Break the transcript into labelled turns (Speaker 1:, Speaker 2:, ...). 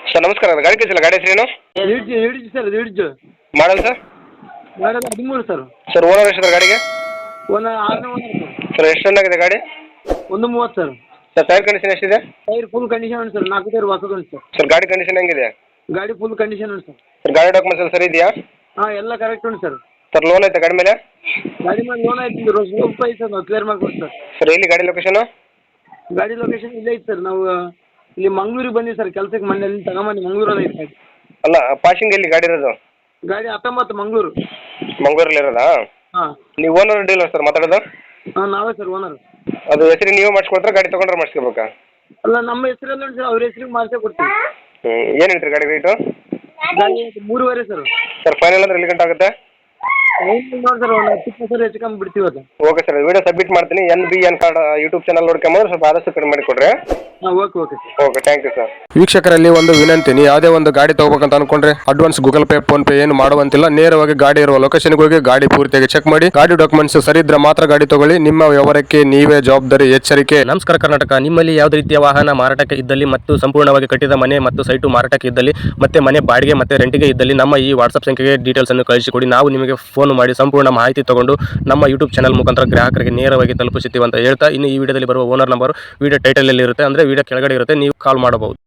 Speaker 1: Sir ನಮಸ್ಕಾರ, ಗಾಡಿ ಕಳಿಸಿಲ್ಲ, ಗಾಡಿ ಹೆಸರೇನು?
Speaker 2: ಹಿಡಿಜ್ ಸರ್, ಹಿಡಿಜ್
Speaker 1: model sir?
Speaker 2: Model 13 sir.
Speaker 1: Sir owner ಎಷ್ಟಿದೆ ಗಾಡಿಗೆ?
Speaker 2: ಒಂದು 6ನೇ ಓನರ್ ಸರ್.
Speaker 1: ಸರ್ ಎಷ್ಟು ರನ್ ಆಗಿದೆ ಗಾಡಿ?
Speaker 2: 130 ಸರ್.
Speaker 1: ಸರ್ ಟೈರ್ ಕಂಡೀಷನ್ ಎಷ್ಟಿದೆ?
Speaker 2: ಟೈರ್ ಫುಲ್ ಕಂಡೀಷನ್ ಉಂಟು ಸರ್, 4 ಟೈರ್ ಹೊಸದು ಉಂಟು ಸರ್.
Speaker 1: ಸರ್ ಗಾಡಿ ಕಂಡೀಷನ್ ಹೆಂಗಿದೆ?
Speaker 2: ಗಾಡಿ ಫುಲ್ ಕಂಡೀಷನ್ ಉಂಟು ಸರ್.
Speaker 1: ಸರ್ ಗಾಡಿ ಡಾಕ್ಯುಮೆಂಟ್ಸ್ ಎಲ್ಲ ಸರಿ ಇದೆಯಾ?
Speaker 2: ಹಾಂ, ಎಲ್ಲ ಕರೆಕ್ಟ್ ಉಂಟು ಸರ್.
Speaker 1: ಸರ್ ಲೋನ್ ಐತೆ ಗಾಡಿ ಮೇಲೆ?
Speaker 2: ಗಾಡಿ ಮೇಲೆ ಲೋನ್ ಆಯ್ತು, ಸ್ವಲ್ಪ ಐತೆ ಸರ್, ನಾವು ಕ್ಲಿಯರ್ ಮಾಡ್ಕೊಡ್ತೀವಿ ಸರ್.
Speaker 1: ಸರ್ ಎಲ್ಲಿ ಗಾಡಿ ಲೊಕೇಶನು?
Speaker 2: ಗಾಡಿ ಲೊಕೇಶನ್ ಇಲ್ಲೇ ಐತೆ ಸರ್. ನಾವು ಇಲ್ಲಿ ಮಂಗ್ಳೂರಿಗೆ ಬಂದಿವಿ ಸರ್ ಕೆಲಸಕ್ಕೆ, ಮೊನ್ನೆ ಅಲ್ಲಿ ತಗೊಂಬಂದು ಮಂಗ್ಳೂರಲ್ಲಿ ಐತೆ ಗಾಡಿ.
Speaker 1: ಅಲ್ಲ, ಪಾಸಿಂಗ್ ಎಲ್ಲಿ ಗಾಡಿ ಇರೋದು?
Speaker 2: ಗಾಡಿ 19 ಮಂಗ್ಳೂರು.
Speaker 1: ಮಂಗಳೂರಲ್ಲಿ ಇರೋದಾ?
Speaker 2: ಹಾಂ.
Speaker 1: ನೀವು ಓನರ್ ಡೀಲರ್ ಸರ್ ಮಾತಾಡೋದು?
Speaker 2: ಹಾಂ, ನಾವೇ ಸರ್ ಓನರ್.
Speaker 1: ಅದು ಹೆಸರು ನೀವು ಮಾಡಿಸ್ಕೊಡ್ತಾರೆ, ಗಾಡಿ ತೊಗೊಂಡ್ರೆ ಮಾಡಿಸ್ಕೋಬೇಕಾ?
Speaker 2: ಅಲ್ಲ, ನಮ್ಮ ಹೆಸರಲ್ಲಿ ಉಂಟು ಸರ್, ಅವ್ರ ಹೆಸರಿಗೆ ಮಾಡಿಸೇ ಕೊಡ್ತೀವಿ.
Speaker 1: ಏನು ಹೇಳ್ತೀರಿ ಗಾಡಿ ರೇಟು?
Speaker 2: ಗಾಡಿ 3.5 ಸರ್.
Speaker 1: ಸರ್ ಫೈನಲ್ ಅಂದ್ರೆ ಎಲ್ಲಿ ಗಂಟೆ ಆಗುತ್ತೆ?
Speaker 2: ನೋಡಿ ಸರ್, ಒಂದು 10 ಸರ್ ಹೆಚ್ಚು ಕಮ್ಮಿ ಬಿಡ್ತೀವಿ ಅದು.
Speaker 1: ಓಕೆ ಸರ್, ವಿಡಿಯೋ ಸಬ್ಮಿಟ್ ಮಾಡ್ತೀನಿ. NBN ಕಾರ್ಡ್ ಯೂಟ್ಯೂಬ್ ಚಾನಲ್ ನೋಡ್ಕೊಂಬಂದ್ರೆ ಸ್ವಲ್ಪ ಆದಷ್ಟು ಕಡಿಮೆ ಮಾಡಿಕೊಡ್ರಿ.
Speaker 2: ಹಾಂ, okay sir.
Speaker 1: Okay, thank you sir.
Speaker 3: ವೀಕ್ಷಕರಲ್ಲಿ ಒಂದು ವಿನಂತಿ, ನೀವು ಯಾವುದೇ ಒಂದು ಗಾಡಿ ತಗೋಬೇಕಂತ ಅನ್ಕೊಂಡ್ರೆ advance Google Pay PhonePe ಏನು ಮಾಡುವಂತಿಲ್ಲ. ನೇರವಾಗಿ ಗಾಡಿ ಇರುವ ಲೊಕೇಶನ್ಗೆ ಹೋಗಿ ಗಾಡಿ ಪೂರ್ತಿಯಾಗಿ ಚೆಕ್ ಮಾಡಿ, ಗಾಡಿ ಡಾಕ್ಯುಮೆಂಟ್ಸ್ ಸರಿ ಇದ್ರೆ ಮಾತ್ರ ಗಾಡಿ ತಗೊಳ್ಳಿ. ನಿಮ್ಮ ವ್ಯವಹಾರಕ್ಕೆ ನೀವೇ ಜವಾಬ್ದಾರಿ. ಎಚ್ಚರಿಕೆ.
Speaker 4: ನಮಸ್ಕಾರ ಕರ್ನಾಟಕ. ನಿಮ್ಮಲ್ಲಿ ಯಾವುದೇ ರೀತಿಯ ವಾಹನ ಮಾರಾಟಕ್ಕೆ ಇದ್ದಲ್ಲಿ ಮತ್ತು ಸಂಪೂರ್ಣವಾಗಿ ಕಟ್ಟಿದ ಮನೆ ಮತ್ತು ಸೈಟು ಮಾರಾಟಕ್ಕೆ ಇದ್ದಲ್ಲಿ ಮತ್ತೆ ಮನೆ ಬಾಡಿಗೆ ಮತ್ತೆ ರೆಂಟಿಗೆ ಇದ್ದಲ್ಲಿ ನಮ್ಮ ಈ ವಾಟ್ಸ್ಆಪ್ ಸಂಖ್ಯೆಗೆ ಡೀಟೇಲ್ಸ್ ಅನ್ನು ಕಳಿಸಿಕೊಡಿ. ನಾವು ನಿಮಗೆ ಫೋನ್ ಮಾಡಿ ಸಂಪೂರ್ಣ ಮಾಹಿತಿ ತಗೊಂಡು ನಮ್ಮ ಯೂಟ್ಯೂಬ್ ಚಾನಲ್ ಮುಖಾಂತರ ಗ್ರಾಹಕರಿಗೆ ನೇರವಾಗಿ ತಲುಪಿಸುತ್ತೀವಿ ಅಂತ ಹೇಳ್ತಾ, ಇನ್ನು ಈ ವಿಡಿಯೋದಲ್ಲಿ ಬರುವ ಓನರ್ ನಂಬರ್ ವಿಡಿಯೋ ಟೈಟಲ್ ಅಲ್ಲಿ ಇರುತ್ತೆ, ಅಂದ್ರೆ ವಿಡಿಯೋ ಕೆಳಗಡೆ ಇರುತ್ತೆ, ನೀವು ಕಾಲ್ ಮಾಡಬಹುದು.